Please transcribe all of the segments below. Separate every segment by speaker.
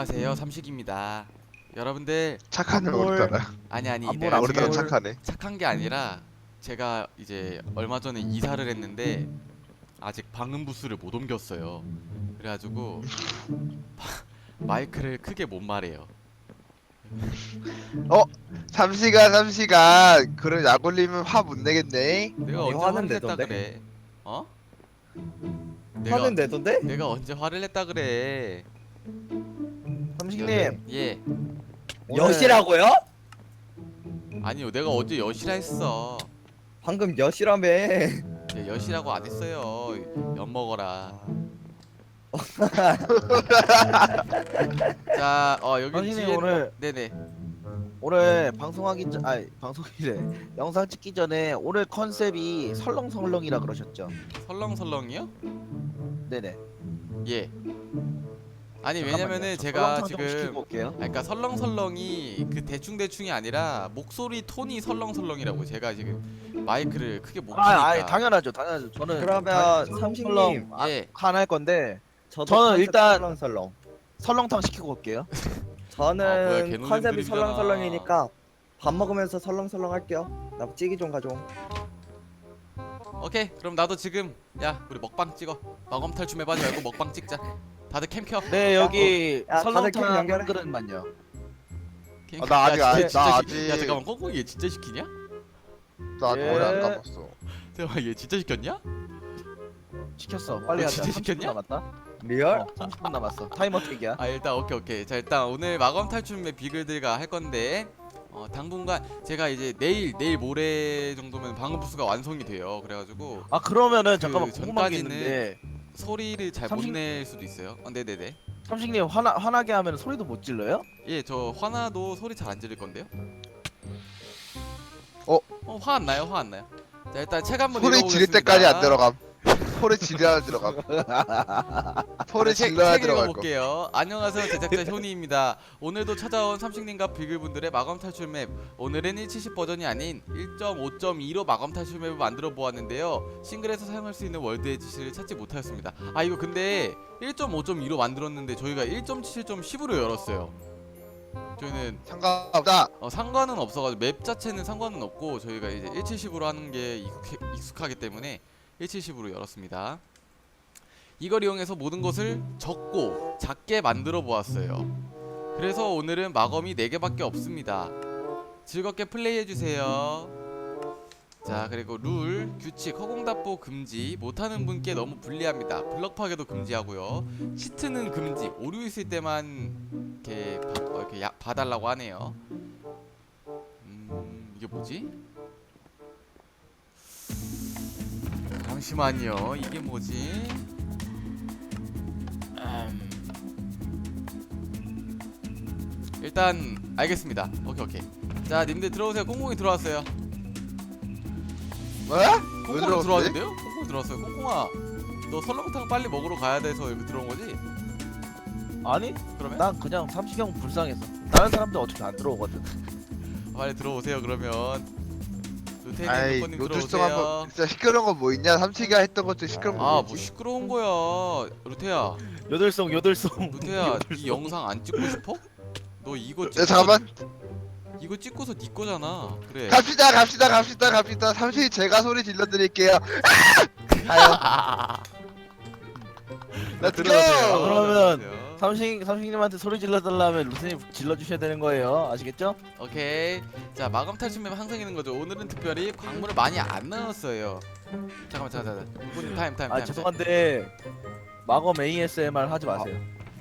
Speaker 1: 안녕하세요, 삼식입니다. 여러분들,
Speaker 2: 착하네
Speaker 3: 안볼.
Speaker 2: 오르잖아.
Speaker 1: 아니
Speaker 3: 안볼
Speaker 1: 내가
Speaker 3: 안
Speaker 2: 오르잖아
Speaker 3: 볼.
Speaker 1: 지금
Speaker 2: 착하네.
Speaker 1: 착한 게 아니라 제가 이제 얼마 전에 이사를 했는데 아직 방음 부스를 못 옮겼어요. 그래가지고 마이크를 크게 못 말해요.
Speaker 2: 삼시가 그런 약 올리면 화 못 내겠네.
Speaker 1: 내가
Speaker 3: 아니,
Speaker 1: 언제
Speaker 3: 화는
Speaker 1: 화를 냈다
Speaker 3: 내던데?
Speaker 1: 그래? 어?
Speaker 3: 화는 내던데?
Speaker 1: 내가 언제 화를 냈다 그래?
Speaker 3: 삼식님
Speaker 1: 예.
Speaker 3: 여시라고요?
Speaker 1: 아니요, 내가 언제 여시라 했어.
Speaker 3: 방금 여시라며.
Speaker 1: 예, 여시라고 안 했어요. 엿 먹어라. 자, 여기
Speaker 3: 삼식님
Speaker 1: 뒤에
Speaker 3: 오늘
Speaker 1: 네네.
Speaker 3: 방송하기 전 아니 방송이래 영상 찍기 전에 오늘 컨셉이 설렁설렁이라 그러셨죠?
Speaker 1: 설렁설렁이요?
Speaker 3: 네네.
Speaker 1: 예. 아니
Speaker 3: 잠깐만요.
Speaker 1: 왜냐면은
Speaker 3: 저
Speaker 1: 제가
Speaker 3: 설렁탕 좀 시키고
Speaker 1: 지금
Speaker 3: 올게요.
Speaker 1: 그러니까 설렁설렁이 그 대충대충이 아니라 목소리 톤이 설렁설렁이라고. 제가 지금 마이크를 크게 못
Speaker 3: 아니
Speaker 1: 키니까.
Speaker 3: 당연하죠. 저는
Speaker 4: 그러면 삼식님
Speaker 1: 예.
Speaker 3: 할 건데
Speaker 4: 저도
Speaker 3: 저는
Speaker 4: 컨셉
Speaker 3: 일단-
Speaker 4: 설렁설렁.
Speaker 3: 설렁탕 시키고 올게요.
Speaker 1: 뭐야,
Speaker 4: 저는
Speaker 1: 개노잼
Speaker 4: 컨셉이
Speaker 1: 드립이잖아.
Speaker 4: 설렁설렁이니까 밥 먹으면서 설렁설렁 할게요. 나 찌개 좀 가져.
Speaker 1: 오케이. 그럼 나도 지금 야, 우리 먹방 찍어. 마검 탈춤해봐지 말고 먹방 찍자. 다들 캠 켜.
Speaker 3: 네 여기
Speaker 4: 야, 다들 캠
Speaker 3: 설렁탕
Speaker 4: 연결해.
Speaker 3: 한 그릇만요.
Speaker 1: 캠
Speaker 2: 나 아직
Speaker 1: 야,
Speaker 2: 안-
Speaker 1: 진짜
Speaker 2: 나
Speaker 1: 야
Speaker 2: 아직-
Speaker 1: 잠깐만, 꽁꽁이 얘 진짜 시키냐?
Speaker 2: 나
Speaker 3: 예.
Speaker 2: 머리 안 감았어.
Speaker 1: 잠깐만, 얘 진짜 시켰냐?
Speaker 3: 시켰어. 빨리 하자.
Speaker 1: 진짜
Speaker 3: 30분
Speaker 1: 시켰냐?
Speaker 3: 남았다.
Speaker 4: 리얼?
Speaker 3: 30분 남았어. 타이머 택이야.
Speaker 1: 아, 일단 오케이. 자, 일단 오늘 마검 탈춤의 비글들과 할 건데 당분간 제가 이제 내일 모레 정도면 방음 부스가 완성이 돼요. 그래가지고
Speaker 3: 아 그러면은
Speaker 1: 그
Speaker 3: 잠깐만 궁금한 게
Speaker 1: 전까지는-
Speaker 3: 있는데
Speaker 1: 소리를 잘 못
Speaker 3: 삼식-
Speaker 1: 낼 수도 있어요. 네네네.
Speaker 3: 삼식님 화나게 하면 소리도 못 질러요?
Speaker 1: 예, 저 화나도 소리 잘 안 지를 건데요. 화 안 나요? 화 안 나요? 자, 일단 책 한번
Speaker 2: 소리
Speaker 1: 읽어보겠습니다.
Speaker 2: 지를 때까지 안 들어감. 소리 지려야 들어감. 소리
Speaker 1: 책
Speaker 2: 질러야 들어갈 거.
Speaker 1: 읽어볼게요. 안녕하세요, 제작자 효니입니다. 오늘도 찾아온 삼식님과 비글분들의 마검 탈출 맵. 오늘은 1.70 버전이 아닌 1.5.2로 마검 탈출 맵을 만들어 보았는데요. 싱글에서 사용할 수 있는 월드 에디션을 찾지 못하였습니다. 아, 이거 근데 1.5.2로 만들었는데 저희가 1.7.10으로 열었어요. 저희는
Speaker 2: 상관없다.
Speaker 1: 상관은 없어가지고 맵 자체는 상관은 없고 저희가 이제 1.70으로 하는 게 익숙하기 때문에 1.70으로 열었습니다. 이걸 이용해서 모든 것을 적고 작게 만들어 보았어요. 그래서 오늘은 마검이 4개밖에 없습니다. 즐겁게 플레이해주세요. 자, 그리고 룰, 규칙, 허공답보 금지, 못하는 분께 너무 불리합니다. 블럭 파괴도 금지하고요. 시트는 금지, 오류 있을 때만 이렇게 봐달라고 하네요. 이게 뭐지? 잠시만요. 이게 뭐지? 일단 알겠습니다. 오케이. 자, 님들 들어오세요. 꽁꽁이 들어왔어요.
Speaker 2: 왜? 왜
Speaker 1: 꽁꽁이
Speaker 2: 들어왔지?
Speaker 1: 들어왔는데요? 꽁꽁이 들어왔어요. 꽁꽁아, 너 설렁탕 빨리 먹으러 가야 돼서 여기 들어온 거지?
Speaker 3: 아니
Speaker 1: 그러면
Speaker 3: 난 그냥 삼식이 형 불쌍해서. 다른 사람들 어차피 안 들어오거든.
Speaker 1: 빨리 들어오세요. 그러면
Speaker 2: 아이
Speaker 1: 루테님
Speaker 2: 노출성
Speaker 1: 들어오세요.
Speaker 2: 한번 진짜 시끄러운 거 뭐 있냐? 삼시가 했던 것 중에 시끄러운 거
Speaker 1: 아,
Speaker 2: 뭐
Speaker 1: 뭐
Speaker 2: 있지?
Speaker 1: 시끄러운 거야. 루테야,
Speaker 3: 요들송.
Speaker 1: 루테야, 이 영상 안 찍고 싶어? 너 이거
Speaker 2: 야 잠깐만.
Speaker 1: 이거 찍고서 네 거잖아. 그래.
Speaker 2: 갑시다. 삼시 제가 소리 질러드릴게요. 가요. Let's
Speaker 1: 들어오세요.
Speaker 2: go.
Speaker 3: 그러면
Speaker 1: 들어오세요.
Speaker 3: 삼식님한테 소리 질러달라면 루트님 질러주셔야 되는 거예요. 아시겠죠?
Speaker 1: 오케이. 자, 마검 탈춤맵 항상 있는 거죠. 오늘은 특별히 광물을 많이 안 넣었어요. 잠깐만. 이분 타임.
Speaker 3: 죄송한데 마검 ASMR 하지 마세요.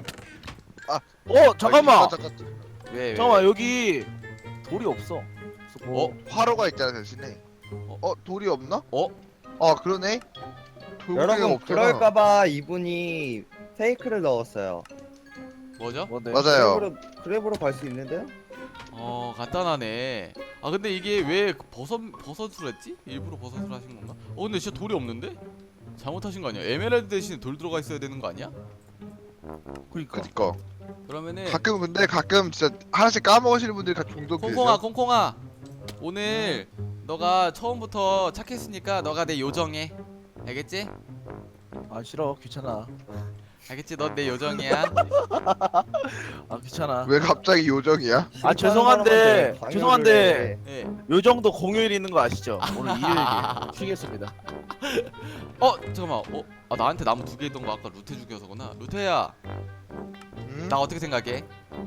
Speaker 2: 잠깐만.
Speaker 1: 왜?
Speaker 3: 잠깐만 여기 돌이 없어.
Speaker 2: 화로가 있잖아 대신에. 돌이 없나?
Speaker 1: 어?
Speaker 2: 아 그러네. 돌고기가
Speaker 4: 여러분
Speaker 2: 없잖아.
Speaker 4: 그럴까봐 이분이 페이크를 넣었어요.
Speaker 1: 뭐죠?
Speaker 3: 뭔데?
Speaker 2: 맞아요.
Speaker 4: 그랩으로 갈 수 있는데요?
Speaker 1: 간단하네. 아, 근데 이게 왜 버섯으로 했지? 일부러 버섯으로 하신 건가? 근데 진짜 돌이 없는데? 잘못하신 거 아니야? 에메랄드 대신에 돌 들어가 있어야 되는 거 아니야?
Speaker 3: 그니까.
Speaker 2: 그니까.
Speaker 1: 그러면은
Speaker 2: 가끔 진짜 하나씩 까먹으시는 분들이 종종 계세요.
Speaker 1: 콩콩아, 오늘 너가 처음부터 착했으니까 너가 내 요정해. 알겠지?
Speaker 3: 아 싫어 귀찮아.
Speaker 1: 알겠지? 넌 내 요정이야.
Speaker 3: 아 귀찮아.
Speaker 2: 왜 갑자기 요정이야?
Speaker 3: 아 죄송한데 죄송한데
Speaker 1: 예.
Speaker 3: 요정도 공휴일 있는 거 아시죠? 오늘 일요일이 쉬겠습니다.
Speaker 1: 잠깐만. 아 나한테 나무 2개 있던 거 아까 루테 죽여서구나. 루테야,
Speaker 2: 응?
Speaker 1: 나 어떻게 생각해?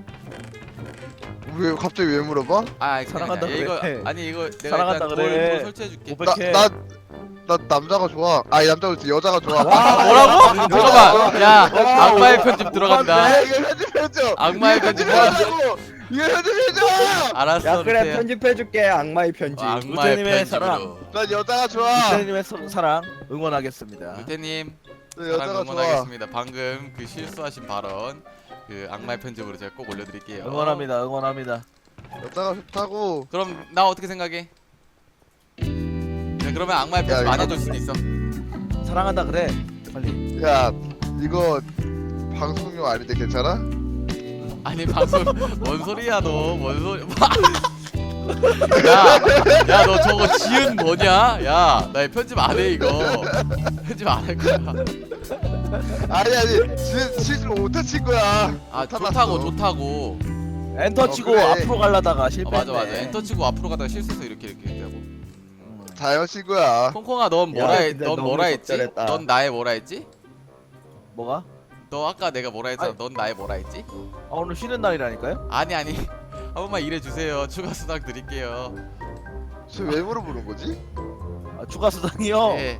Speaker 2: 왜 갑자기 왜 물어봐?
Speaker 1: 아
Speaker 3: 사랑한다
Speaker 1: 이거
Speaker 3: 그래.
Speaker 1: 아니 이거 내가
Speaker 3: 사랑한다
Speaker 1: 일단
Speaker 3: 그래.
Speaker 1: 돌 설치해줄게.
Speaker 3: 500회.
Speaker 2: 나 남자가 좋아. 아니 남자가 좋지 여자가 좋아.
Speaker 1: 뭐라고? 잠깐만. 야 악마의 편집 들어간다.
Speaker 2: 이거 편집해줘.
Speaker 1: 악마의
Speaker 2: 이거
Speaker 1: 편집
Speaker 2: 편집해줘. 이거 편집해줘.
Speaker 1: 알았어.
Speaker 4: 야 그래
Speaker 1: 루테야.
Speaker 4: 편집해줄게 악마의 편집.
Speaker 1: 악마의
Speaker 3: 루테님의
Speaker 1: 편집으로.
Speaker 2: 난 여자가 좋아.
Speaker 3: 루테님의 사랑 응원하겠습니다.
Speaker 1: 루테님
Speaker 2: 난
Speaker 1: 사랑
Speaker 2: 여자가 좋아.
Speaker 1: 응원하겠습니다. 방금 그 실수하신 발언 그 악마의 편집으로 제가 꼭 올려드릴게요.
Speaker 3: 응원합니다. 응원합니다.
Speaker 2: 여자가 좋다고.
Speaker 1: 그럼 나 어떻게 생각해? 네, 그러면 악마의 편집
Speaker 2: 야,
Speaker 1: 안 해줄 수도 있어.
Speaker 3: 사랑한다 그래. 빨리.
Speaker 2: 야 이거 방송용 아닌데 괜찮아?
Speaker 1: 아니 방송 뭔 소리야 너? 뭔 소리? 야 너 저거 지은 뭐냐? 야 나 편집 안 해 이거. 편집 안 할 거야.
Speaker 2: 아니 실수로 못한 친구야.
Speaker 1: 아
Speaker 2: 못하났어.
Speaker 1: 좋다고.
Speaker 3: 엔터 치고
Speaker 2: 그래.
Speaker 3: 앞으로 가려다가 실패했네.
Speaker 1: 맞아. 엔터 치고 앞으로 가다가 실수해서 이렇게 되고.
Speaker 2: 자연 친구야.
Speaker 1: 콩콩아 넌
Speaker 4: 근데
Speaker 1: 넌
Speaker 4: 너무
Speaker 1: 뭐라 했지?
Speaker 4: 적절했다.
Speaker 1: 넌 나의 뭐라 했지?
Speaker 3: 뭐가?
Speaker 1: 너 아까 내가 뭐라 했잖아.
Speaker 3: 아니.
Speaker 1: 넌 나의 뭐라 했지?
Speaker 3: 아 오늘 쉬는 날이라니까요?
Speaker 1: 아니 한 번만 일해 주세요. 추가 수당 드릴게요.
Speaker 2: 왜 물어보는 거지?
Speaker 3: 아, 추가 수당이요?
Speaker 1: 네,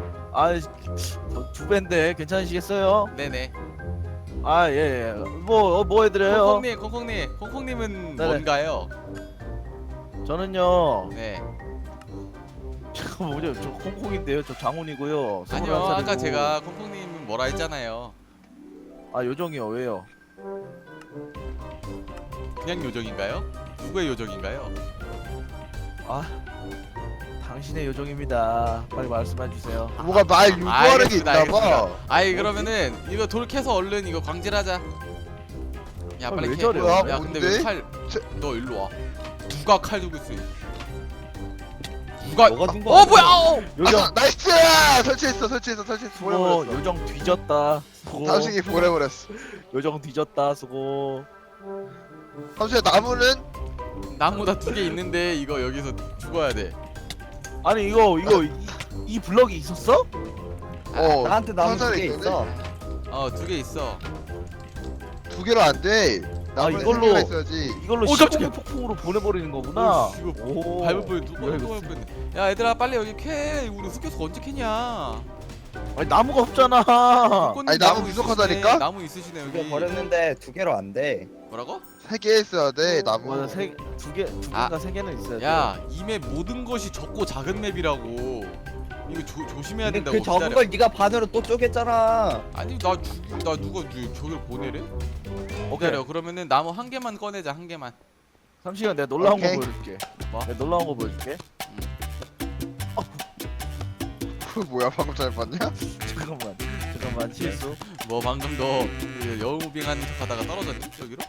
Speaker 3: 두 배인데 괜찮으시겠어요?
Speaker 1: 네네.
Speaker 3: 아 예. 뭐 해드려요?
Speaker 1: 콩콩님은
Speaker 3: 네네.
Speaker 1: 뭔가요?
Speaker 3: 저는요.
Speaker 1: 네.
Speaker 3: 잠깐 뭐죠? 저 콩콩인데요. 저 장훈이고요.
Speaker 1: 아니요,
Speaker 3: 21 살이고.
Speaker 1: 아까 제가 콩콩님은 뭐라 했잖아요.
Speaker 3: 아 요정이요. 왜요?
Speaker 1: 그냥 요정인가요? 누구의 요정인가요?
Speaker 3: 아 당신의 요정입니다. 빨리 말씀해 주세요.
Speaker 2: 뭐가 말 유도하는 게
Speaker 1: 알겠습니다,
Speaker 2: 있나봐.
Speaker 1: 아이 그러면은 이거 돌 캐서 얼른 이거 광질하자. 야
Speaker 3: 아,
Speaker 1: 빨리
Speaker 3: 왜
Speaker 1: 캐.
Speaker 3: 저래요?
Speaker 2: 뭐야,
Speaker 1: 야 근데
Speaker 2: 뭔데?
Speaker 1: 왜 칼? 너 일로 와. 누가 칼 들고 있어? 누가?
Speaker 4: 뭐가 든
Speaker 1: 어 뭐야?
Speaker 3: 요정
Speaker 2: 나이스! 설치했어.
Speaker 3: 수고.
Speaker 2: 보내버렸어.
Speaker 3: 요정 뒤졌다. 수고.
Speaker 2: 삼식이 보내버렸어.
Speaker 3: 요정 뒤졌다. 수고.
Speaker 2: 삼식아 나무는?
Speaker 1: 나무다 2개 있는데 이거 여기서 죽어야 돼.
Speaker 3: 아니 이 블럭이 있었어?
Speaker 4: 나한테 나무
Speaker 2: 상자에
Speaker 4: 2개
Speaker 2: 있는데?
Speaker 4: 있어.
Speaker 1: 2개 있어.
Speaker 2: 2개로 안 돼. 나무는
Speaker 3: 이걸로-
Speaker 2: 3개가 있어야지.
Speaker 3: 이걸로
Speaker 1: 오, 깜짝이야.
Speaker 3: 시공의 폭풍으로 보내버리는 거구나.
Speaker 1: 오, 씨, 이거
Speaker 3: 오.
Speaker 1: 밟을 뻔 누가
Speaker 3: 이거
Speaker 1: 밟을 뻔했네. 야 얘들아 빨리 여기 캐. 우리 흑교수 언제 캐냐?
Speaker 3: 아니 나무가 없잖아.
Speaker 1: 꽃님
Speaker 2: 아니, 나무
Speaker 1: 있으시네.
Speaker 2: 부족하다니까?
Speaker 1: 나무 있으시네 여기.
Speaker 4: 2개 버렸는데 2개로 안 돼.
Speaker 1: 뭐라고?
Speaker 2: 3개 있어야 돼. 나무.
Speaker 3: 맞아 두 개인가 세 개는 있어야 돼.
Speaker 1: 야, 이 맵 모든 것이 적고 작은 맵이라고. 이거 조심해야
Speaker 4: 근데
Speaker 1: 된다고.
Speaker 4: 그 적은
Speaker 1: 기다려.
Speaker 4: 걸 네가 반으로 또 쪼갰잖아.
Speaker 1: 아니 나 누가 저기를 보내래? 기다려. 그러면은 나무 한 개만 꺼내자. 한 개만.
Speaker 3: 3시간 내가 놀라운
Speaker 2: 오케이.
Speaker 3: 거 보여줄게.
Speaker 1: 뭐?
Speaker 3: 내가 놀라운 거 보여줄게.
Speaker 2: 그 뭐야 방금 잘 봤냐?
Speaker 3: 잠깐만 실수.
Speaker 1: 뭐 방금 너 여우무빙하는 척하다가 떨어졌니? 여기로?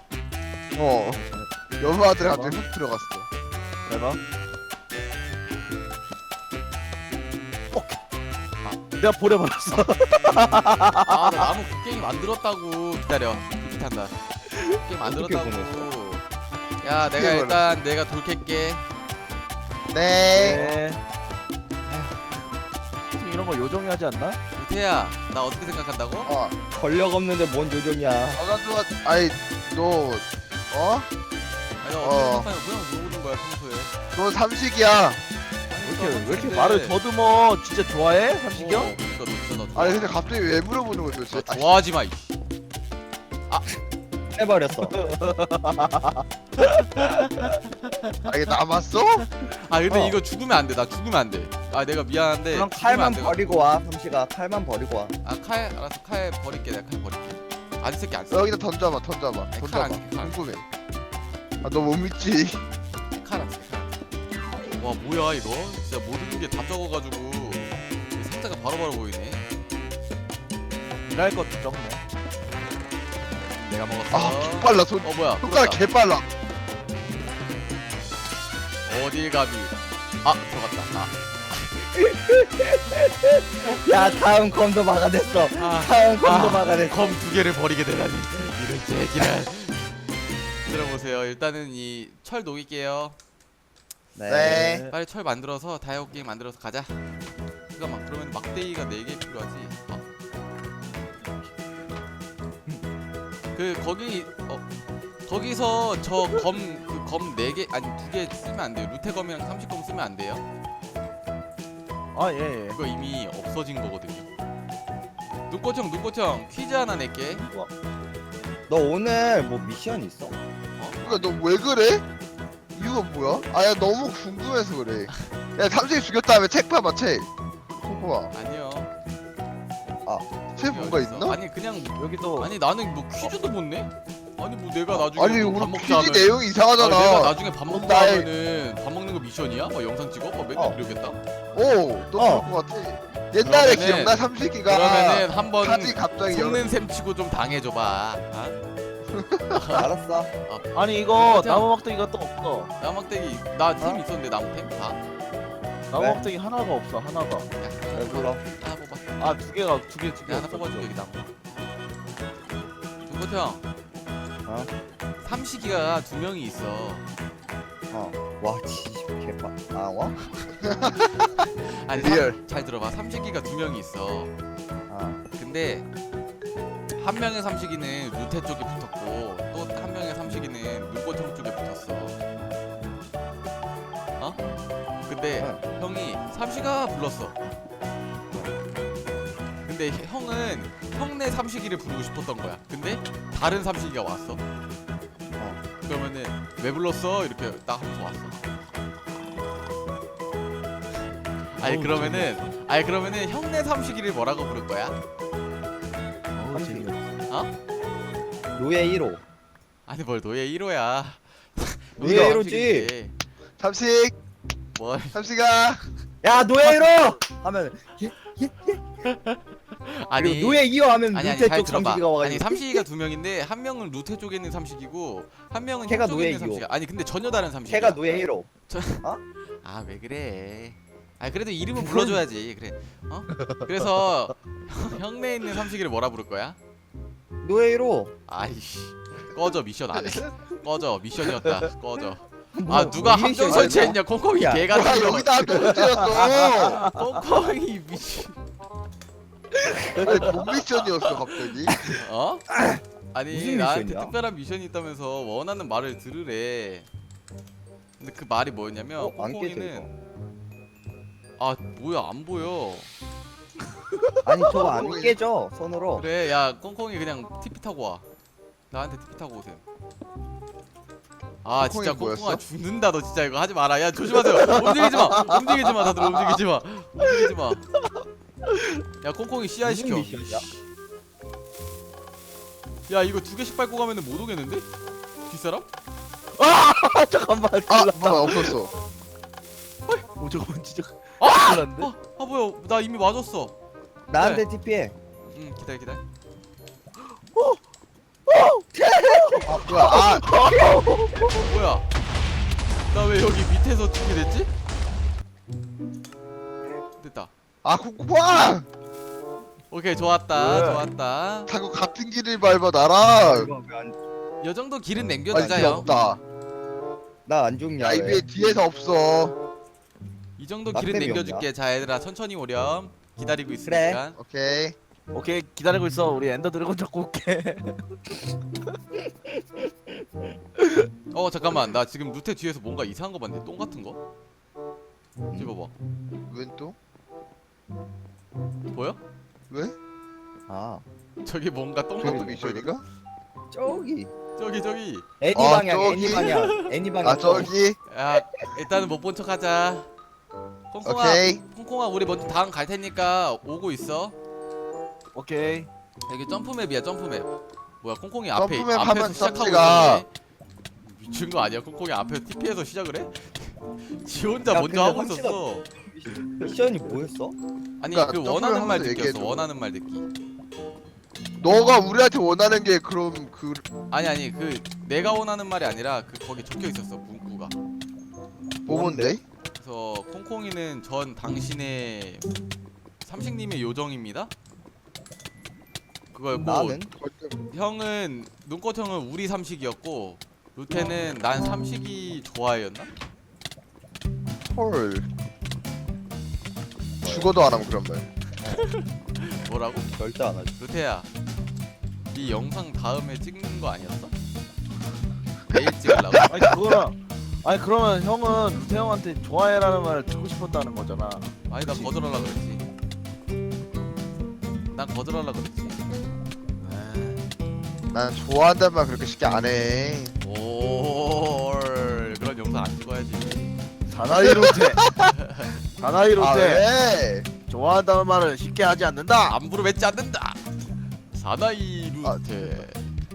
Speaker 2: 여부 아들 갑자기 훅 들어갔어.
Speaker 3: 내가. 내가 보내버렸어.
Speaker 1: 아, 나 나무 곡괭이 만들었다고. 기다려. 비슷한다. 곡괭이 만들었다고. 야, 내가 일단 내가 돌 캘게.
Speaker 2: 네.
Speaker 3: 네. 이런 거 요정이 하지 않나?
Speaker 1: 우태야, 나 어떻게 생각한다고?
Speaker 4: 권력 없는데 뭔 요정이야.
Speaker 2: 나도 아이 너
Speaker 1: 아니, 나 어떻게 생각하냐? 그냥 물어보는 거야 평소에.
Speaker 2: 너 삼식이야.
Speaker 3: 왜 이렇게 말을 더듬어? 진짜 좋아해? 삼식이 형?
Speaker 1: 그러니까 너 진짜 나
Speaker 2: 아니 근데 갑자기 왜 물어보는 거야 도대체?
Speaker 1: 너 좋아하지 마. 이.
Speaker 4: 해버렸어.
Speaker 2: 이게 남았어?
Speaker 1: 아 근데 이거 죽으면 안 돼. 나 죽으면 안 돼. 아 내가 미안한데.
Speaker 4: 그럼
Speaker 1: 죽으면 안
Speaker 4: 칼만
Speaker 1: 돼.
Speaker 4: 버리고 와. 삼시가 칼만 버리고 와.
Speaker 1: 아 칼 알았어. 칼 버릴게. 내가 칼 버릴게. 안 쓸게 안 쓸게.
Speaker 2: 여기다 던져봐.
Speaker 1: 칼
Speaker 2: 던져봐.
Speaker 1: 안 쓸게, 칼.
Speaker 2: 궁금해. 너 못 믿지?
Speaker 1: 칼 안 쓸게. 칼. 와 뭐야 이거? 진짜 모든 게 다 적어가지고 이 상자가 바로바로 보이네.
Speaker 3: 일할 것도 적네.
Speaker 1: 내가 먹었어.
Speaker 2: 개빨라 손.
Speaker 1: 뭐야?
Speaker 2: 손가락
Speaker 1: 풀었다.
Speaker 2: 개빨라.
Speaker 1: 어딜 가비? 아 들어갔다.
Speaker 4: 자 다음 검도 막아냈어.
Speaker 1: 아,
Speaker 4: 다음 검도 막아냈어.
Speaker 1: 검 2개를 버리게 되다니 이런 제기란. 들어보세요. 일단은 이 철 녹일게요.
Speaker 2: 네.
Speaker 1: 빨리 철 만들어서 다이아고 게임 만들어서 가자. 잠깐만, 그러면 막대기가 4개 필요하지. 거기서 저 검 4개 아니 2개 쓰면 안 돼요. 루테검이랑 30검 쓰면 안 돼요.
Speaker 3: 아 예. 예.
Speaker 1: 그거 이미 없어진 거거든요. 눈꽃형 퀴즈 하나 낼게.
Speaker 4: 너 오늘 뭐 미션 있어?
Speaker 2: 그러니까 너 왜 그래? 이유가 뭐야? 아야 너무 궁금해서 그래. 야 삼식이 죽였 다음에 책 봐봐 책. 콩콩아
Speaker 1: 아니요.
Speaker 2: 책 뭔가
Speaker 1: 어딨어?
Speaker 2: 있나?
Speaker 1: 아니 그냥
Speaker 3: 여기도
Speaker 1: 아니 나는 뭐 퀴즈도 못 내? 아니 뭐 내가 나중에
Speaker 2: 아니
Speaker 1: 뭐밥
Speaker 2: 우리
Speaker 1: 먹자
Speaker 2: 퀴즈
Speaker 1: 하면
Speaker 2: 내용이
Speaker 1: 아니,
Speaker 2: 이상하잖아.
Speaker 1: 내가 나중에 밥 먹자
Speaker 2: 나의-
Speaker 1: 하면은 밥 먹는 거 미션이야? 뭐 영상 찍어? 뭐 맨날 이러겠다?
Speaker 2: 너 그럴 것 같아. 옛날에
Speaker 1: 그러면은-
Speaker 2: 기억나 삼식이가
Speaker 1: 그러면은 한번
Speaker 2: 사지 갑자기
Speaker 1: 속는 셈 치고 좀 당해줘봐.
Speaker 4: 알았어.
Speaker 3: 아니 이거
Speaker 1: 맞아.
Speaker 3: 나무 막대기가 또 없어.
Speaker 1: 나막대기 나 템 있었는데 나무템 다.
Speaker 3: 나무
Speaker 4: 네?
Speaker 3: 막대기 하나가 없어. 하나가.
Speaker 1: 야,
Speaker 4: 왜 불러?
Speaker 1: 하나 뽑아.
Speaker 3: 아 두 개가 두 개.
Speaker 1: 내가 하나 뽑아줄게 여기 나무. 중고형.
Speaker 4: 어?
Speaker 1: 삼식이가 2명이 있어.
Speaker 4: 와 진짜 개빠. 아 와?
Speaker 1: 아니
Speaker 2: 리얼.
Speaker 1: 잘 들어봐. 삼식이가 2명이 있어.
Speaker 4: 아.
Speaker 1: 근데 한 명의 삼식이는 루테 쪽에 붙었고 또 한 명의 삼식이는 눈꽃형 쪽에 붙었어. 근데 형이 삼식아 불렀어. 근데 형은 형네 삼식이를 부르고 싶었던 거야. 근데 다른 삼식이가 왔어. 그러면은 왜 불렀어? 이렇게 딱 하면서 왔어. 아니 그러면은 형네 삼식이를 뭐라고 부를 거야?
Speaker 4: 노예 1호.
Speaker 1: 아니 뭘 노예 1호야.
Speaker 4: 노예 1호지.
Speaker 2: 삼식
Speaker 1: 뭘?
Speaker 2: 삼식아
Speaker 4: 야 노예 1호 하면
Speaker 1: 아니
Speaker 4: 그리고 노예 2호 하면
Speaker 1: 아니
Speaker 4: 루테
Speaker 1: 잘
Speaker 4: 쪽
Speaker 1: 들어봐.
Speaker 4: 삼식이가 와가지고.
Speaker 1: 아니 삼식이가 2명인데 한 명은 루테 쪽에 있는 삼식이고 한 명은
Speaker 4: 걔가
Speaker 1: 형 쪽에
Speaker 4: 노예
Speaker 1: 있는
Speaker 4: 이호.
Speaker 1: 삼식이야. 아니 근데 전혀 다른 삼식이야.
Speaker 4: 걔가 노예 1호.
Speaker 1: 아 왜 그래? 아 그래도 이름은 불러줘야지. 그래. 그래서 형네 있는 삼식이를 뭐라 부를 거야?
Speaker 4: 노예 1호.
Speaker 1: 아이씨 꺼져 미션 안 해. 꺼져 미션이었다. 꺼져.
Speaker 4: 뭐,
Speaker 1: 아 누가
Speaker 4: 뭐
Speaker 1: 함정
Speaker 4: 미션이야,
Speaker 1: 설치했냐? 콩콩이
Speaker 4: 야,
Speaker 1: 개가
Speaker 2: 와 여기다 한번 찔렀어.
Speaker 1: 콩콩이 미친.
Speaker 2: 아니 뭔 미션이었어 갑자기?
Speaker 1: 어? 아니
Speaker 4: 무슨
Speaker 1: 나한테
Speaker 4: 미션이야?
Speaker 1: 특별한 미션이 있다면서 원하는 말을 들으래. 근데 그 말이 뭐였냐면
Speaker 4: 안 깨져
Speaker 1: 콩콩이는
Speaker 4: 이거.
Speaker 1: 아 뭐야 안 보여.
Speaker 4: 아니 저거 안 깨져 손으로.
Speaker 1: 그래 야 콩콩이 그냥 TP 타고 와. 나한테 TP 타고 오세요. 아 진짜
Speaker 2: 콩콩이
Speaker 1: 콩콩아
Speaker 2: 뭐였어?
Speaker 1: 죽는다 너 진짜 이거 하지 마라. 야 조심하세요. 움직이지 마 다들 움직이지 마. 야 콩콩이 CI
Speaker 4: 무슨
Speaker 1: 시켜.
Speaker 4: 미션이야?
Speaker 1: 야 이거 2개씩 밟고 가면은 못 오겠는데? 뒷사람?
Speaker 3: 아 잠깐만.
Speaker 2: 아 뭐야 없었어.
Speaker 3: 오 잠깐만 진짜.
Speaker 1: 아!
Speaker 3: 큰일 났는데?
Speaker 1: 아 뭐야 나 이미 맞았어.
Speaker 4: 나한테 TP해.
Speaker 1: 응 기다려.
Speaker 2: 뭐야 아
Speaker 1: 뭐야? 나 왜 여기 밑에서 찍게 됐지? 됐다.
Speaker 2: 아 콩콩아
Speaker 1: 오케이 좋았다.
Speaker 3: 왜?
Speaker 1: 좋았다.
Speaker 2: 자꾸 같은 길을 밟아 나랑.
Speaker 4: 이거 왜안
Speaker 1: 요 정도 길은
Speaker 2: 아니 뒤에
Speaker 1: 남겨두자요.
Speaker 2: 없다.
Speaker 4: 나안 죽냐?
Speaker 2: 야 이
Speaker 4: 왜?
Speaker 2: 위에 뒤에서 없어.
Speaker 1: 이 정도
Speaker 4: 나
Speaker 1: 길은
Speaker 4: 땜이
Speaker 1: 남겨줄게. 자 얘들아 천천히 오렴. 기다리고 있으니까.
Speaker 2: 오케이.
Speaker 3: 오케이 기다리고 있어. 우리 엔더 드래곤 잡고 올게.
Speaker 1: 잠깐만 나 지금 루테 뒤에서 뭔가 이상한 거 봤는데 똥 같은 거? 집어봐.
Speaker 2: 웬 또?
Speaker 1: 보여?
Speaker 2: 왜?
Speaker 4: 아
Speaker 1: 저기 뭔가 똥
Speaker 2: 저것도
Speaker 1: 같은 거
Speaker 2: 미션인가?
Speaker 4: 저기
Speaker 1: 저기.
Speaker 4: 애니
Speaker 2: 아,
Speaker 4: 방향
Speaker 2: 저기.
Speaker 4: 애니 방향 애니 방향.
Speaker 2: 아 저기.
Speaker 1: 야 일단은 못 본 척하자.
Speaker 2: 오케이.
Speaker 1: 콩콩아 우리 먼저 다음 갈 테니까 오고 있어.
Speaker 3: 오케이.
Speaker 1: 여기 점프맵이야 점프맵. 뭐야 콩콩이 앞에
Speaker 2: 점프맵
Speaker 1: 앞에서
Speaker 2: 하면
Speaker 1: 시작하고
Speaker 2: 썸지가-
Speaker 1: 있었네. 미친 거 아니야? 콩콩이 앞에서 TP해서 시작을 해? 지 혼자
Speaker 4: 야,
Speaker 1: 먼저
Speaker 4: 근데
Speaker 1: 하고
Speaker 4: 황치가-
Speaker 1: 있었어.
Speaker 4: 미션이 뭐였어?
Speaker 1: 아니
Speaker 2: 그러니까
Speaker 1: 그 원하는 말
Speaker 2: 점프를 하면서
Speaker 1: 듣기였어.
Speaker 2: 얘기해줘.
Speaker 1: 원하는 말 듣기.
Speaker 2: 너가 우리한테 원하는 게 그럼 그
Speaker 1: 아니 그 내가 원하는 말이 아니라 그 거기 적혀 있었어 문구가.
Speaker 2: 뭐뭔데?
Speaker 1: 그래서 콩콩이는 전 당신의 삼식님의 요정입니다. 그거였고
Speaker 4: 나는
Speaker 1: 형은 눈꽃 형은 우리 삼식이었고 루테는 난 삼식이 좋아해였나?
Speaker 2: 헐. 죽어도 안 하면 그런 말.
Speaker 1: 뭐라고?
Speaker 4: 절대 안 하지.
Speaker 1: 루테야, 네 영상 다음에 찍는 거 아니었어? 내일 찍으려고?
Speaker 3: 아니 그거랑 아니 그러면 형은 루테 형한테 좋아해라는 말을 듣고 싶었다는 거잖아.
Speaker 1: 아니 나
Speaker 3: 그치.
Speaker 1: 거절하려 그랬지. 난 거절하려 그랬지.
Speaker 2: 난 좋아한다는 말 그렇게 쉽게 안 해.
Speaker 1: 오 그런 영상 안 찍어야지.
Speaker 3: 사나이 루테. 사나이
Speaker 2: 아
Speaker 3: 루테.
Speaker 2: 왜?
Speaker 3: 좋아한다는 말을 쉽게 하지 않는다.
Speaker 1: 안부로 맺지 않는다. 사나이 루테.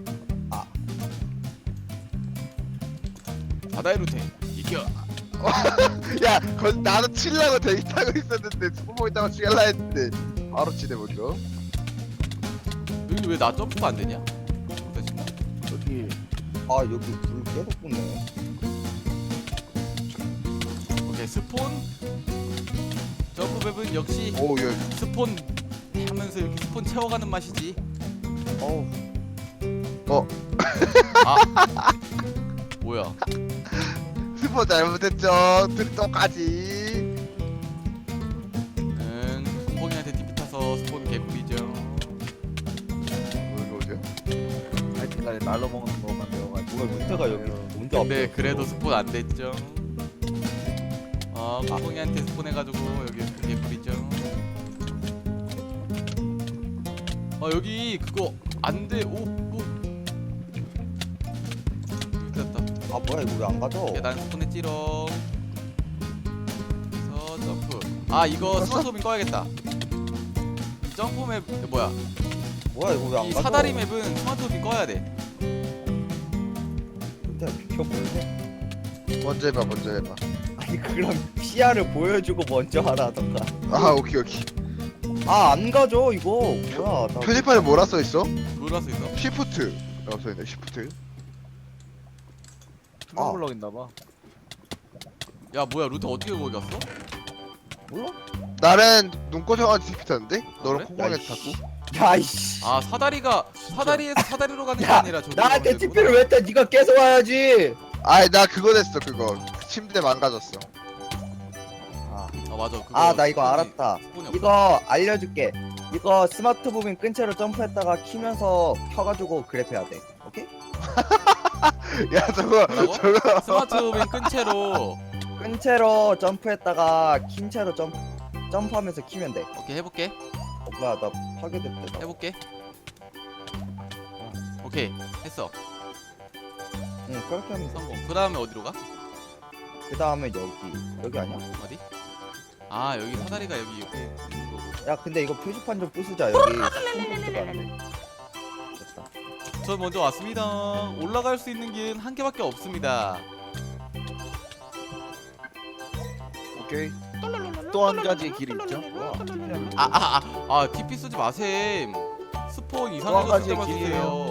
Speaker 1: 사나이 루테 이겨.
Speaker 2: 야, 나도 칠라고 데이트하고 있었는데 스포 있다고 죽일라 했는데 바로 치네 먼저.
Speaker 1: 여기 왜 나 점프 안 되냐? 됐나?
Speaker 3: 여기
Speaker 4: 아 여기 불 계속 붙네.
Speaker 1: 오케이 스폰. 점프 맵은 역시
Speaker 2: 오, 야,
Speaker 1: 스폰 하면서 이렇게 스폰 채워가는 맛이지.
Speaker 4: 어우
Speaker 1: 아 뭐야?
Speaker 2: 스포 잘못했죠. 똑같이.
Speaker 1: 콩콩이한테 TP 타서 스폰 개꿀이죠.
Speaker 2: 뭐 이거죠?
Speaker 3: 하여튼간에 날로 먹는 것만 배워가지고.
Speaker 4: 누가 루테가 여기 먼저
Speaker 1: 근데
Speaker 4: 앞에
Speaker 1: 그래도
Speaker 4: 있어.
Speaker 1: 스폰 안 됐죠. 콩콩이한테 스폰 해가지고 여기 스폰 개꿀이죠. 여기 그거 안 돼. 오. 됐다.
Speaker 4: 아 뭐야 이거 왜 안 가져?
Speaker 1: 계단 스폰했지롱. 그래서 점프. 이거 스마트홈인 꺼야겠다. 점프 맵 뭐야?
Speaker 4: 뭐야 이거 왜 안
Speaker 1: 이
Speaker 4: 가져?
Speaker 1: 사다리 맵은 스마트홈인 꺼야 돼.
Speaker 4: 루테 비켜보여.
Speaker 2: 먼저 해봐, 먼저 해봐.
Speaker 4: 아니 그럼 시야를 보여주고 먼저 하라던가.
Speaker 2: 아, 오케이, 오케이.
Speaker 4: 아 안 가져 이거. 뭐야 나
Speaker 2: 표지판에 뭐라 써 있어?
Speaker 1: 놀라서 있어?
Speaker 2: 시프트. 써 있네, 시프트.
Speaker 3: 투명 블럭인가봐.
Speaker 1: 야 뭐야 루트 어떻게 거기 갔어?
Speaker 4: 몰라?
Speaker 2: 나는 눈꽃 형한테 TP 탔는데? 너는
Speaker 1: 그래?
Speaker 2: 콩콩이한테
Speaker 4: 야이씨.
Speaker 2: 탔고?
Speaker 4: 야이씨.
Speaker 1: 사다리에서 사다리로 가는 게
Speaker 4: 야,
Speaker 1: 아니라 저기로
Speaker 4: 나한테
Speaker 1: 가는
Speaker 4: TP를
Speaker 1: 데구나.
Speaker 4: 왜 타? 네가 계속 와야지.
Speaker 2: 아이, 나 그거 됐어, 그거. 침대 망가졌어.
Speaker 1: 맞아 그거
Speaker 4: 아 나 이거
Speaker 1: 스폰이-
Speaker 4: 알았다.
Speaker 1: 스폰이 없어.
Speaker 4: 이거 알려줄게. 이거 스마트 무빙 끈 채로 점프했다가 키면서 켜가지고 그래프 해야 돼. 오케이?
Speaker 2: 야, 저거,
Speaker 1: 뭐라고?
Speaker 2: 저거.
Speaker 1: 스마트 무빙 끈 채로.
Speaker 4: 끈 채로 점프했다가 킨 채로 점프하면서 키면 돼.
Speaker 1: 오케이 해볼게.
Speaker 4: 뭐야 나 파괴됐대. 나.
Speaker 1: 해볼게. 오케이 했어.
Speaker 4: 응 그렇게 하면 돼.
Speaker 1: 성공. 그 다음에 어디로 가?
Speaker 4: 그 다음에 여기 아니야?
Speaker 1: 어디? 여기 사다리가 여기 있는 거고.
Speaker 4: 야 근데 이거 표지판 좀 부수자 여기. 스폰포트가 안 돼. 됐다.
Speaker 1: 전 먼저 왔습니다. 올라갈 수 있는 길은 한 개밖에 없습니다.
Speaker 3: 오케이. 또 한 가지 길이 있죠.
Speaker 4: 뭐야?
Speaker 1: TP 쓰지 마셈. 스폰
Speaker 3: 또 한
Speaker 1: 이상한 거
Speaker 3: 가지의
Speaker 1: 쓸때만 쓰세요.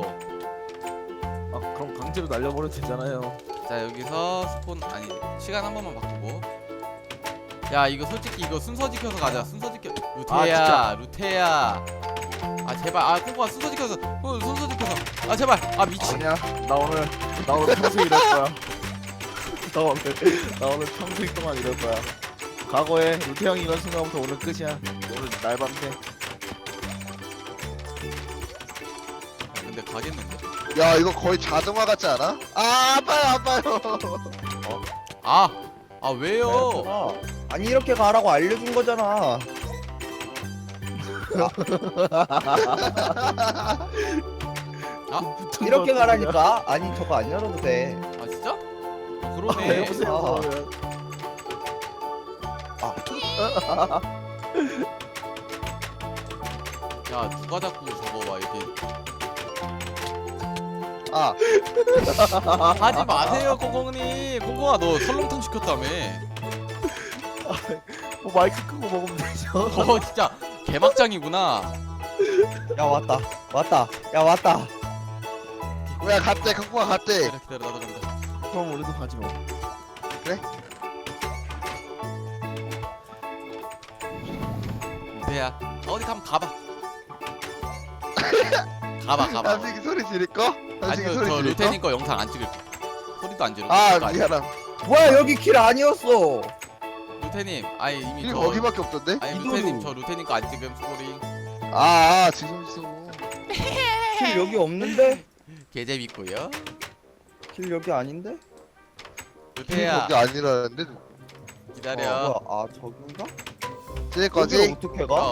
Speaker 3: 그럼 강제로 날려버려도 되잖아요.
Speaker 1: 자 여기서 스폰 시간 한 번만 바꾸고. 야 이거 솔직히 이거 순서 지켜서 가자. 순서 지켜. 루테야 루테야. 제발 콩콩아 순서 지켜서. 순서 지켜서. 제발. 미친.
Speaker 3: 아니야. 나 오늘 평생 이럴 거야. 나 오늘 평생 동안 이럴 거야. 과거에 루테 형이 이런 순간부터 오늘 끝이야. 오늘 날밤새.
Speaker 1: 근데 가겠는데.
Speaker 2: 야, 이거 거의 자동화 같지 않아? 아파요.
Speaker 1: 왜요?
Speaker 4: 아니 이렇게 가라고 알려준 거잖아. 이렇게 가라니까. 아니 저거 안 열어도 돼.
Speaker 1: 진짜? 그러네.
Speaker 3: 해보세요.
Speaker 1: 야 누가 자꾸 저거 막 이렇게 하지 마세요 콩콩님. 콩콩아 너 설렁탕 시켰다며.
Speaker 3: 마이크 끄고 먹으면 되죠.
Speaker 1: 진짜 개막장이구나.
Speaker 4: 야 왔다. 야 왔다.
Speaker 2: 야, 갔대, 콩콩아 갔대.
Speaker 1: 기다려 나도 간다.
Speaker 3: 그럼 우리도 가지 뭐.
Speaker 1: 루테야 어디 가면 가봐. 가봐.
Speaker 2: 삼식이 소리 지를까?
Speaker 1: 아니
Speaker 2: 삼식이
Speaker 1: 저
Speaker 2: 소리 지를까?
Speaker 1: 루테님 거 영상 안 찍을. 소리도 안 지르고.
Speaker 2: 아
Speaker 1: 아니,
Speaker 2: 미안함.
Speaker 4: 뭐야 여기 길 아니었어.
Speaker 1: 루테님 아니 이미
Speaker 2: 길
Speaker 1: 저
Speaker 2: 거기밖에 없던데?
Speaker 1: 아니
Speaker 4: 이도로.
Speaker 1: 루테님 저 루테님 거 안 찍음 소리.
Speaker 2: 지금
Speaker 4: 길 여기 없는데?
Speaker 1: 개 재밌고요.
Speaker 4: 길 여기 아닌데?
Speaker 2: 길
Speaker 1: 루테야
Speaker 2: 거기 아니라는데
Speaker 1: 기다려.
Speaker 4: 뭐야, 아 저긴가?
Speaker 2: 쟤
Speaker 4: 여기
Speaker 2: 거지?
Speaker 4: 어떻게 가?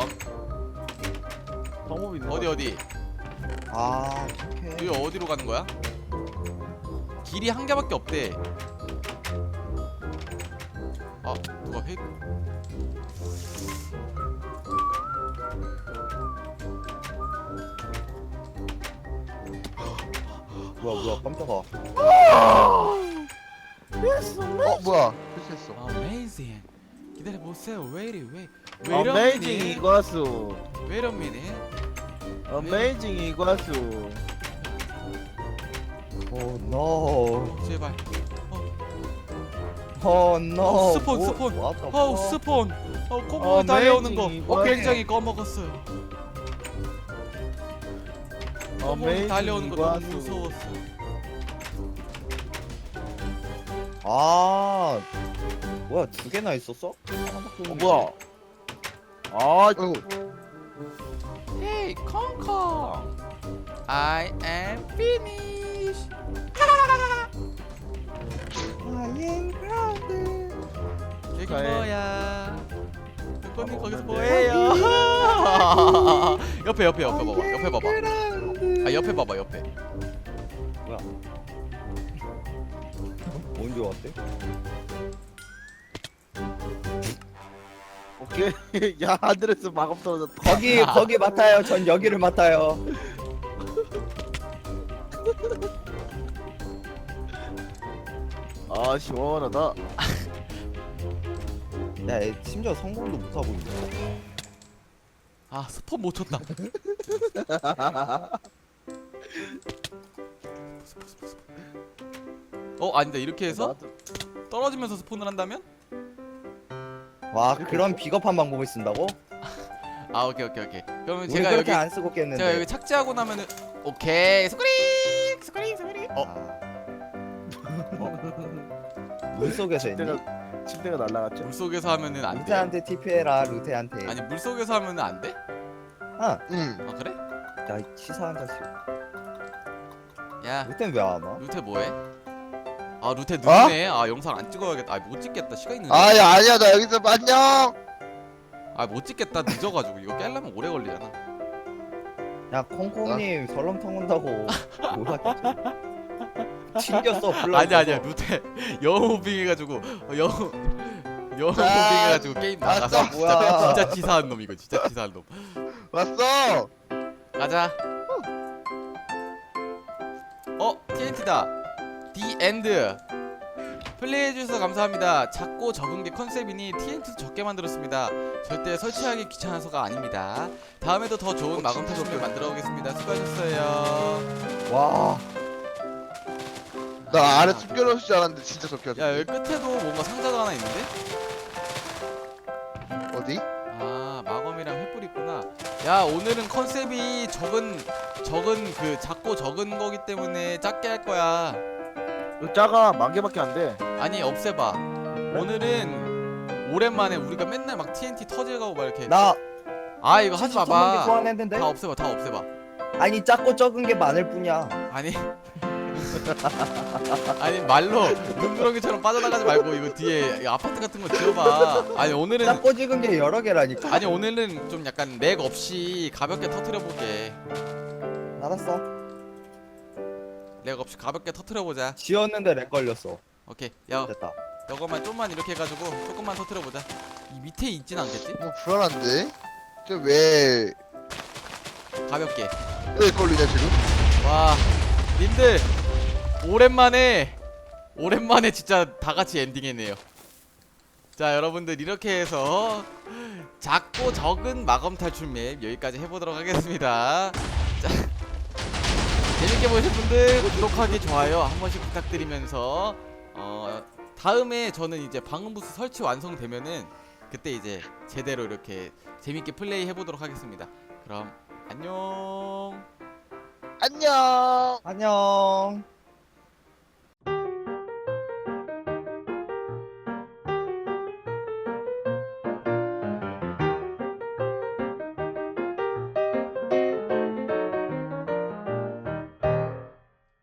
Speaker 3: 방법이 있는
Speaker 1: 어디
Speaker 4: 아 어떡해.
Speaker 1: 여기 어디로 가는 거야? 길이 한 개밖에 없대. 아 누가 회?
Speaker 4: 뭐야 깜짝아.
Speaker 2: 뭐야 실수했어.
Speaker 1: Amazing. 기다려 보세요. Wait.
Speaker 3: 어메이징 이과수.
Speaker 1: Wait a minute.
Speaker 3: 어메이징 이과수.
Speaker 4: 오 노.
Speaker 1: 제발.
Speaker 4: 오 노.
Speaker 1: 스폰. 스폰. 콧구멍에
Speaker 3: Amazing
Speaker 1: 달려오는 거.
Speaker 3: 이거.
Speaker 1: 굉장히 꺼먹었어요. 콧구멍에 달려오는 거 너무
Speaker 3: 이과수.
Speaker 1: 무서웠어.
Speaker 4: 아 뭐야 두 개나 있었어? 하나밖에 없는데.
Speaker 3: 뭐야? 아
Speaker 2: 아이고
Speaker 1: Hey, 콩콩. I am finished.
Speaker 4: 아예 그라운드.
Speaker 1: 여기
Speaker 3: 축하해.
Speaker 1: 뭐야? 콩콩님 거기서
Speaker 3: 먹었는데.
Speaker 1: 뭐해요? 옆에 봐봐. 옆에 봐봐. 아 옆에 봐봐 옆에.
Speaker 4: 언제 왔대?
Speaker 3: 오케이. 야 하늘에서 마법 떨어졌다.
Speaker 4: 거기 맡아요. 전 여기를 맡아요.
Speaker 3: 아 시원하다.
Speaker 4: 야, 얘 심지어 성공도 못 하고 있네.
Speaker 1: 아 스폰 못 쳤다. 아니다 이렇게 해서 떨어지면서 스폰을 한다면?
Speaker 4: 와, 그런 비겁한 방법을 쓴다고?
Speaker 1: 아 오케이. 그러면
Speaker 4: 우리
Speaker 1: 제가 여기
Speaker 4: 그렇게 안 쓰고 깼는데.
Speaker 1: 제가 여기 착지하고 나면은 오케이 스크린.
Speaker 4: 물속에서 했니?
Speaker 3: 침대가 날라갔죠.
Speaker 1: 물속에서 하면은 안 돼.
Speaker 4: 루테한테 TP해라, 루테한테.
Speaker 1: 아니 물속에서 하면은 안 돼?
Speaker 2: 응.
Speaker 1: 아 그래?
Speaker 4: 야, 이 치사한 자식.
Speaker 1: 야
Speaker 4: 루테는 왜 안 와?
Speaker 1: 루테 뭐해? 아 루테 늦네. 아 영상 안 찍어야겠다. 아 못 찍겠다. 시간 있는데.
Speaker 2: 아니야 나 여기서 안녕.
Speaker 1: 아 못 찍겠다. 늦어가지고 이거 깨려면 오래 걸리잖아.
Speaker 4: 야, 콩콩님 설렁탕 온다고. 몰랐겠지? 튕겼어, 불러.
Speaker 1: 아니야 루테 영호빙해가지고 영호빙해가지고 게임 나가서
Speaker 2: 알았어.
Speaker 1: 진짜 치사한 놈 이거 진짜 치사한 놈.
Speaker 2: 왔어.
Speaker 1: 가자. TNT다. The End. 플레이해주셔서 감사합니다. 작고 적은 게 컨셉이니 TNT도 적게 만들었습니다. 절대 설치하기 귀찮아서가 아닙니다. 다음에도 더 좋은 마검 타점을 만들어 오겠습니다. 수고하셨어요.
Speaker 4: 와,
Speaker 2: 나 아래 숨겨놓을 줄 알았는데 진짜 적혀져.
Speaker 1: 야 여기 끝에도 뭔가 상자가 하나 있는데?
Speaker 2: 어디?
Speaker 1: 아 마검이랑 횃불 있구나. 야 오늘은 컨셉이 적은 그 작고 적은 거기 때문에 작게 할 거야.
Speaker 3: 이거 작아 10,000개밖에 안 돼.
Speaker 1: 아니 없애봐. 오늘은 오랜만에 우리가 맨날 막 TNT 터질가고 막 이렇게
Speaker 4: 나
Speaker 1: 아 이거 하지
Speaker 4: 70,000개
Speaker 1: 마봐.
Speaker 4: 소환했는데?
Speaker 1: 다 없애봐.
Speaker 4: 아니, 작고 적은 게 많을 뿐이야.
Speaker 1: 아니 아니 말로 눈구렁이처럼 빠져나가지 말고 이거 뒤에 이 아파트 같은 거 지어봐. 아니 오늘은
Speaker 4: 작고 적은 게 여러 개라니까.
Speaker 1: 아니 오늘은 좀 약간 렉 없이 가볍게 터트려 보게.
Speaker 4: 알았어.
Speaker 1: 렉 없이 가볍게 터트려 보자.
Speaker 4: 지었는데 렉 걸렸어.
Speaker 1: 오케이. 야
Speaker 4: 됐다.
Speaker 1: 이거만 좀만 이렇게 해가지고 조금만 터트려 보자. 이 밑에 있진 않겠지?
Speaker 2: 뭐 불안한데? 왜
Speaker 1: 가볍게.
Speaker 2: 걸리냐 지금?
Speaker 1: 와 님들 오랜만에 진짜 다 같이 엔딩했네요. 자 여러분들 이렇게 해서 작고 적은 마검 탈출 맵 여기까지 해보도록 하겠습니다. 자 재밌게 보신 분들 구독하기 좋아요 한 번씩 부탁드리면서 다음에 저는 이제 방음 부스 설치 완성되면은 그때 이제 제대로 이렇게 재밌게 플레이 해보도록 하겠습니다. 그럼 안녕.
Speaker 2: 안녕.
Speaker 4: 안녕.